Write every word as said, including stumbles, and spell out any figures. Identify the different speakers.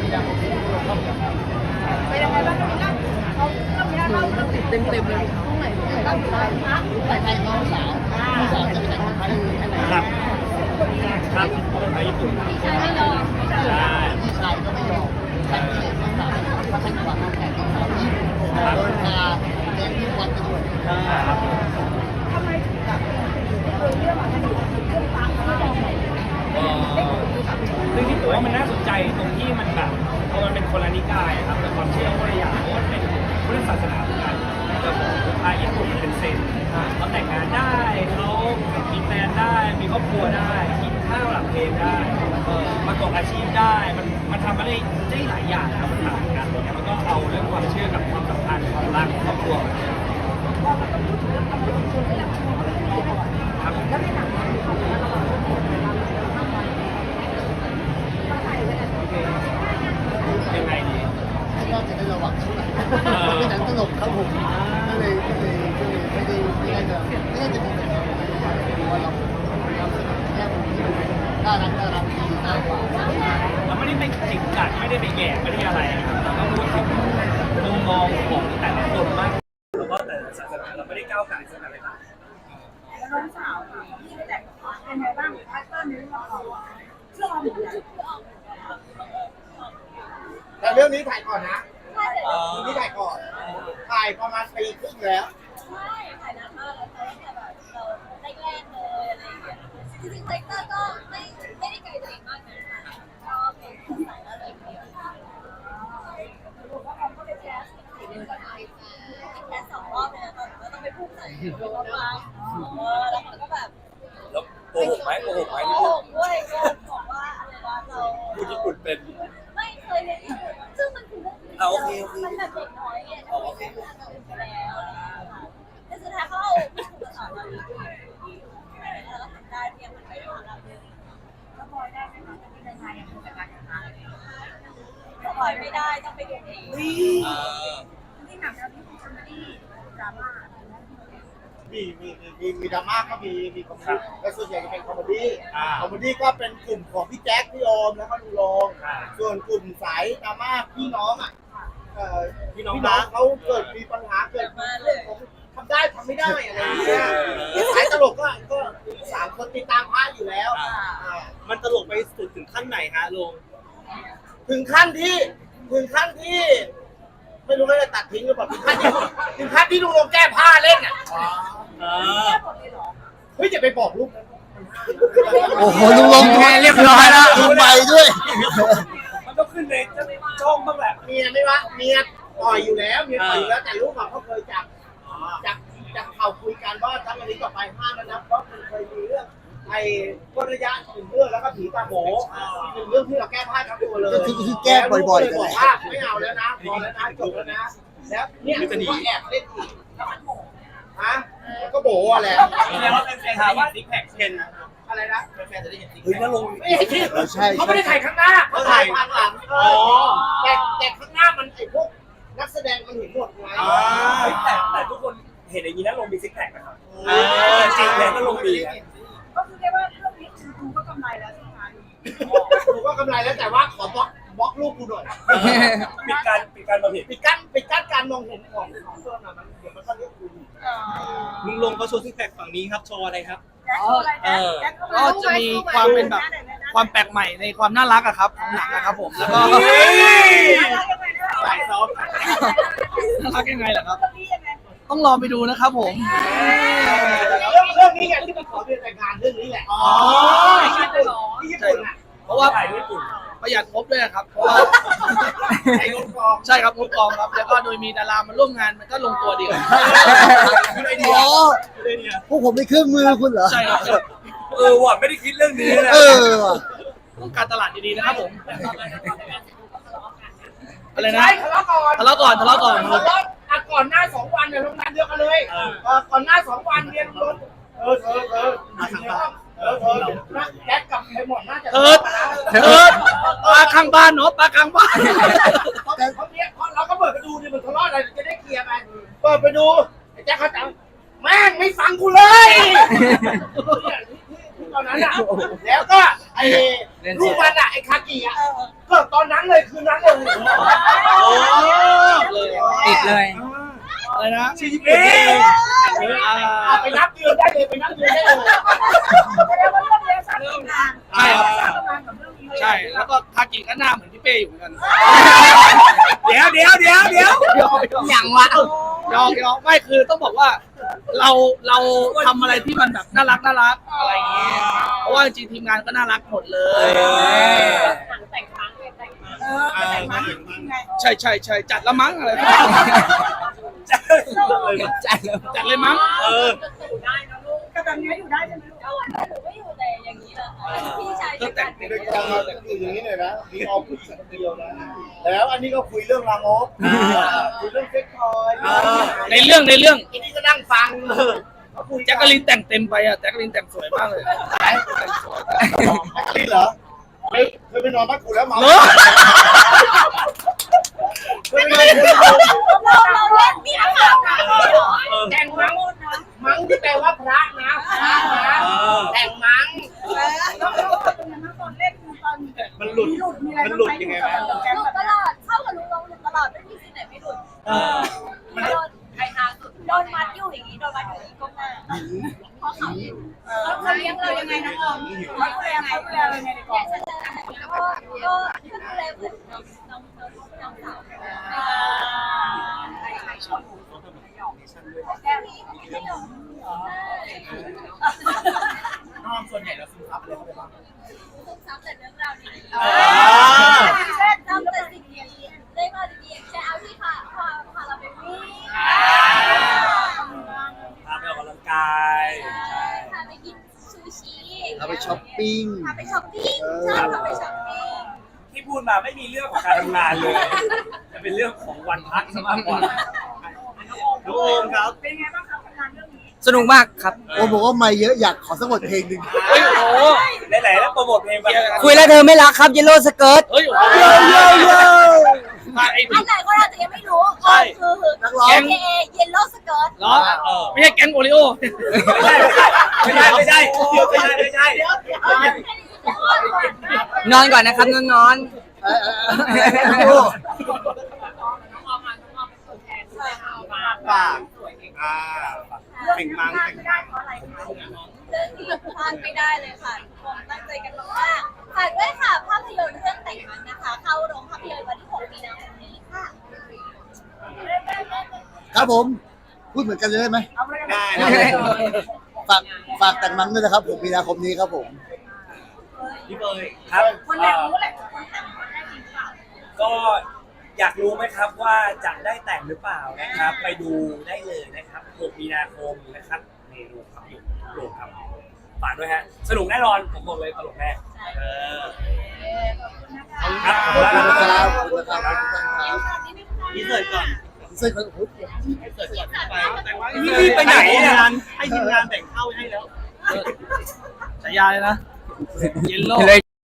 Speaker 1: ไปยังไงบ้างครับเขาเขามีเราเราติดเต็มเต็มเลยตรงไหนตรงไหนบ้างไปไทยน้องสาวน้องสาวจะไปไหนคนไทย
Speaker 2: ครับครับไปญี่ปุ่น
Speaker 1: พี่ชายไม่ยอม
Speaker 2: ใช่
Speaker 3: พี่ชายก็ไม่ยอมฉันก็เลยต้องถามว่าฉันจะวางแผนของเขาที่โดนพาเลี้ยงที่วัดไปด้วย
Speaker 2: ครับ
Speaker 1: ทำไมถึงแบบเรื่องอะไรเรื่องฟังไม่ยอมไหน
Speaker 2: ซึ่งที่ผมว่ามันน่าสนใจตรงที่มันแบบพอมันเป็นคนละนิกายครับแต่ความเชื่อคนละอย่างเพราะว่าเป็นพุทธศาสนาเหมือนกันแต่ของพาญี่ปุ่นมันเป็นเซนเขาแต่งงานได้เขามีแฟนได้มีครอบครัวได้กินข้าวหลังเพลงได้ประกอบอาชีพได้มันมันทำอะไรได้หลายอย่างครับมันต่างกันเนี่ยมันก็เอาเรื่องความเชื่อกับความสัมพันธ์ความรักครอบครัวครับยังไงดี
Speaker 3: ก็จะได้ระวังช่วยเป็นหนังตลกครับผมก็เลยก็เลยก็เลยไม่ได้ไม่ได้จะไม่ได้จะมีปัญหาเพราะว่าเราเราแค่ผมที่น่ารักน่ารักดีน่ากว่า
Speaker 2: เราไม่ได้ไปจิกกัดไม่ได้ไปแย่ไม่ได้อะไรเราก็พูดถึงมุมมองของแต่ละคนมากแล้วก็แต่ศาสนาเราไม่ได้ก้าวไก่ศาสนาอะไรต่าง
Speaker 1: แล้วน้องสาวค่ะที่แต่งเป็นไงบ้างพาร์ทเนอร์นี้เราเชื่อเราเหมือนกัน
Speaker 3: แต่เรื่องนี้ถ่ายก่อนนะเรื่องนี้ถ่ายก่อนถ่ายประมาณปีครึ่งแล้ว
Speaker 4: ใช่ถ่ายนานมากแล้วแต่แบบเราแรกๆเลยอะไรอย่างเงี้ยจริงๆเซกเตอร์ก็ไม่ไม่ได้ไกลตัวเองมากนะก็เป็นคนสายอะไรอย่างเงี้ยรู้ว่าเขาก็ไปแคสสี่เดือนก่อนไปแคสสองรอบเลยนะตอนนั้นต้องไปพูดใส่รอบฟ้าเออแล้วมันก็แบบ
Speaker 2: แล้วโกหกไหมโกหกไหม
Speaker 4: โกหกด้วยโกหกบอกว่าอะไรนะเรา
Speaker 2: พูดญี่ปุ่นเป็น
Speaker 4: ไม่เคยเรียนญี่ปุ่นซึ่งมันคือเรื่องที่มันแบบเด็กน้อยไงทำไมไม่รู้อะไรไปแล้วแต่สุดท้ายเขาเอาผู้สอนเราดีแล้วเราทำได้เพียงมันไม่ได้ของเราเลย
Speaker 1: แล้วพอได้ไหมคะที่ในไทยยังคงจัดการอย่างไร
Speaker 4: สปอยไม่ได้ต้องไปดูเอง
Speaker 1: ที่หนังเราที่คุณคอมเมดี้ดราม่า
Speaker 3: มีมีมีมีดราม่าก็มีมีคอมเมดี้แต่ส่วนใหญ่จะเป็นคอมเมดี้คอมเมดี้ก็เป็นกลุ่มของพี่แจ็คพี่โอมแล้วก็ลุงลงส่วนกลุ่มสายดราม่าพี่น้องอ่ะพี่น้องเขาเกิดมีปัญหาเกิดมาเรื่องทำได้ทำไม่ได้อะไรอย่างเงี้ยสายตลกก็ก็สามคนติดตามพระอยู่แล้ว
Speaker 2: มันตลกไปสุดถึงขั้นไหนฮะลุง
Speaker 3: ถึงขั้นที่ถึงขั้นที่ไม่รู้ว่าจะตัดทิ้งหรือเปล่าถึงขั้นที่ถึงขั้นที่ลุงลงแก้ผ้าเล่นอ่ะเฮ้ยจะไปบอกลูก
Speaker 5: โอ้โหลุงลงแค่เรียบร้อยแล้วลุงไปด้วย
Speaker 2: มันต้องขึ้นในช่องบ้างแหละ
Speaker 3: เมียไม่วะเมียปล่อยอยู่แล้วเมียปล่อยอยู่แล้วแต่ลูกเขาเคยจับจับจับเขาคุยกันว่าทั้งอันนี้ต่อไปห้ามแล้วนะเพราะมันเคยมีเรื่องไอ้ก้นระยะหนึ่งเรื่องแล้วก็ผีตาโหหนึ่งเรื่องที่เราแก้ผ้าทั้งตัวเลย
Speaker 5: คือแก้บ่อยๆ
Speaker 3: บอกว่าไม่เอาแล้วนะพอแล้วนะจบแล้วนะแล้วเนี่ยก็แอบเล่นอีกฮะก็โบ๋อะไร
Speaker 2: แสดงว่าเป็นแฟนถามว่าซิกแพคเทน
Speaker 3: อะไรนะ
Speaker 2: แฟนจะได้เห็นซิกแพค
Speaker 5: เฮ้ยนั่นลง
Speaker 3: ไม่เห็นที่เขาไม่ได้ถ่ายข้างหน้าเขาถ่ายข้างหลังแต่แต่ข้างหน้ามันไอ้พวกนักแสดงมันเห็นหมดไง
Speaker 2: แต่แต่ทุกคนเห็นอย่างนี้นะลงมีซิกแพคนะครับจริงแล้วก็ลงมี
Speaker 1: ก็คือเรียกว่าเรื่องนี้คือดูก็กำไรแล้วใช่ไหม
Speaker 3: ดูก็กำไรแล้วแต่ว่าขอบล็อกบล็อกรูปกูหน่อย
Speaker 2: ปิดการปิดการมองเห็น
Speaker 3: ปิดกั้นปิดกั้นการมองเห็นของของเพื่อนอ่ะมันเดี๋ยวมันก็เรียกกู
Speaker 2: ลุงลงเขาโชว์ซิกแพคฝั่งนี้ครับโชว์อะไรครับ
Speaker 6: ก็จะมีความเป็นแบบความแปลกใหม่ในความน่ารักอะครับหนังนะครับผมแล้วก็
Speaker 3: สายซอฟ
Speaker 6: น่ารักยังไงล่ะครับต้องรอไปดูนะครับผม
Speaker 3: เรื่องเรื่องนี้ไงที่มันขอเรียนแต่งงานเรื่องนี้แหละอ๋อที่ญี่ปุ่นอ่ะ
Speaker 6: เพราะว่าประหยัดงบด้วยครับเพราะว่า
Speaker 3: ใช้งบกอง
Speaker 6: ใช่ครับงบกองครับแล้วก็โดยมีดารามาร่วมงานมันก็ลงตัวดีครับ
Speaker 5: อ๋อพวกผมไม่เครื่องมือคุณเหรอ
Speaker 6: ใช่ครับ
Speaker 2: เออว่ะไม่ได้คิดเรื่องนี้เลย
Speaker 5: เออ
Speaker 6: ต้องการตลาดดีๆนะครับผมอะไรนะ
Speaker 3: ทะเลาะก่อน
Speaker 6: ทะเลาะก่อนทะเลาะก่อน
Speaker 3: ทะเลาะอ่ะก่อนหน้าสองวันเนี่ยโรงงานเดียวกันเลยก่อนหน้าสองวันเนี่ยรถเออเธอเธอเออเธอนักแก๊สกับไอ้หมดน่าจะ
Speaker 6: เอิร์ดเอิร์ดปลาข้างบ้านเนาะปลาข้างบ้าน
Speaker 3: เขาเนี้ยเราก็เปิดไปดูดิมันทะเลาะอะไรจะได้เคลียร์ไปเปิดไปดูไอ้แจ๊คเขาจังแม่งไม่ฟังกูเลยตอนนั้นอ่ะแล้วก็ไอ้ลูกมันอะไอ้คากิอะเกิดตอนนั้นเลยคืนนั้นเลย
Speaker 5: ติดเลย
Speaker 6: อะไรนะ
Speaker 2: ชีวิตเอง
Speaker 3: เอาไปนับเดือนได้เลยไปนับเดือนได้เลย
Speaker 1: แสดงว่าเรื่องนี้สามงาน
Speaker 6: ใช่ครับ
Speaker 1: ทำงานกับเรื่องนี้เลย
Speaker 6: ใช่แล้วก็ทากิก็หน้าเหมือนพี่เป้อยู่เหมือนกัน
Speaker 2: เดี๋ยวเดี๋ยวเดี๋ยวเดี๋ยว
Speaker 5: อย่างวะ
Speaker 6: ยอกยอกไม่คือต้องบอกว่าเราเราทำอะไรที่มันแบบน่ารักน่ารักอะไรอย่างเงี้ยเพราะว่าจริงๆทีมงานก็น่ารักหมดเลย
Speaker 4: หนังแต่งครั้งเลยแต่งมา
Speaker 1: เออแต่งมาจริงๆไง
Speaker 6: ใช่ใช่ใช่จัดละมั้งอะไร
Speaker 2: จัด
Speaker 5: จัดเลย
Speaker 6: จัดเลยมั้ง
Speaker 2: เออ
Speaker 4: อยู่ได้นะลูก
Speaker 1: ก็แบบนี้อยู่ได้ใช่ไหมลูก
Speaker 4: ก็วันนี้หนูก็อยู่แต่อย่างนี้แหละค่ะพี่ชายจะกัน
Speaker 3: ในกองเราอยู่อย่างนี้เลยนะมีออมผู้หญิงคนเดียวนะแล้วอันนี้ก็คุยเรื่องรามกคุยเรื่องเซ็กทอย
Speaker 6: ในเรื่องในเรื่อง
Speaker 3: อันนี้ก็นั่งฟัง
Speaker 6: แจ็คกะลินแต่งเต็มไปอ่ะแจ็คกะลินแต่งสวยมากเลย
Speaker 3: นี่เหรอเคยเคยไปนอนบ้านกูแล้วเมา
Speaker 6: เหรอ
Speaker 3: เคยไปนอนบ้านกู
Speaker 4: เราเราเล่นนี่นะคะ
Speaker 3: แต่งมังมังที่แปลว่าพระนะพระนะแต่งมัง
Speaker 1: แล้วแล้วเป็นยังไงบ้างตอนเล่นตอน
Speaker 2: มันหลุด
Speaker 1: มีหลุดมีอะไร
Speaker 2: มันหลุดยังไง
Speaker 1: บ้าง
Speaker 2: วะ
Speaker 1: หลุดแก๊ง
Speaker 4: หลุ
Speaker 1: แบ
Speaker 4: ด
Speaker 1: บ
Speaker 4: ตลอดเข้ากับลุงลงหลุดตลอดไม่มีที่ไหนไม่หลุด
Speaker 2: เออ
Speaker 4: โดนใครหาสุดโดนมัดอยู่อย่างนี้โดนมัดอยู่อย่างนี้ก้มหน้าเพราะเขาอยู่
Speaker 1: เขาเขาเลี้ยงเรายังไงนะออมเขาดูแลเขาดูแลเรายังไงในก
Speaker 4: อ
Speaker 1: อย
Speaker 4: าง กจะเจออะไรก็ก็ก็ดูแลเหมือนน้องน้องน้องสาวแก้มีไม่ยอม
Speaker 3: น้องส่วนใหญ่เราซื้อครับเลยเขาไปบ้าง
Speaker 4: ซึมซับแต่เรื่องราวดี
Speaker 2: อ่า
Speaker 4: ๆเช่นทำแต่สิ่งดีๆได้มาดีๆอย่างเช่นเอาที่พาพาพาเราไปวิ่ง
Speaker 2: พาไปออกกำลังกาย
Speaker 4: พาไปกินซูชิ
Speaker 5: เราไปช้อปปิ้ง
Speaker 4: พาไปช้อปปิ้งใช่พาไปช้อปปิ้ง
Speaker 2: ที่พูดมาไม่มีเรื่องของการทำงานเลยจะเป็นเรื่องของวันพักซะมากกว่าน้องโอมครับ
Speaker 1: เป็นไงบ้างครับทำงานเรื่องนี้
Speaker 5: สนุกมากครับ
Speaker 3: โอ้บอกว่าไม่เยอะอยากขอสักบทเพลงหนึ่ง
Speaker 6: เฮ้ยโอ้โห
Speaker 2: ไหนๆแล้วโปรโมทเพลงไป
Speaker 5: คุยแล้วเธอไม่รักครับเยลโล่สเกิร์ต
Speaker 6: เฮ้ยโอ้โหมาไอ้
Speaker 4: อันไหนก็อาจจะยังไม่รู้คือคือ
Speaker 3: นักร้อง
Speaker 4: เอเอเยลโล่สเกิร์ต
Speaker 6: เหรอไม่ใช่แก๊งโอริโอ
Speaker 2: ไม่ใช่ไม่ใช่ไม่ใช่ไม่ใช่ไม่ใช่
Speaker 5: นอนก่อนนะครับนอนนอน
Speaker 3: เออเออเออฝากอ่าเพ่งมัง
Speaker 1: พลาด
Speaker 3: เพ่ง
Speaker 1: ไม่ได้เพราะอะไรคะ
Speaker 4: เรื่องนี้พลาดไม่ได้เลยค่ะทุกคนตั้งใจกันมากๆฝากด้วยค่ะภาพยนตร์เรื่องแต่งมันนะคะ เข้าโรงภาพยนตร์วันที่หกมีนาคมนี้ค่ะ
Speaker 3: ครับผมพูดเหมือนกันเลยได้ไหม
Speaker 1: เอาไปเลย
Speaker 3: ได้ฝากฝากแต่งมังด้วยนะครับผมมีนาคมนี้ครับผม
Speaker 2: พี่เบยครับ
Speaker 1: คนอยากรู้แหละคนแต่งคนได้จริงเปล่า
Speaker 2: ก็อยากรู้ไหมครับว่าจะได้แต่งหรือเปล่านะครับ ไปดูได้เลยนะครับหกมีนาคมนะครับในโรงภาพยนตร์โรงครับฝากด้วยฮะสนุกแน่นอนผมบอกเลยตลกแน่เออครับ
Speaker 3: ขอบคุณนะครับขอบคุณนะครับ
Speaker 2: นี่เสิร์ฟก่อน
Speaker 3: เส้นของผม
Speaker 2: นี่รีบไปไหนเนี่ย
Speaker 3: ให้ทีมงานแต่งเข้าให้แล้ว
Speaker 6: ฉายาเลยนะเยลโล่
Speaker 5: เลย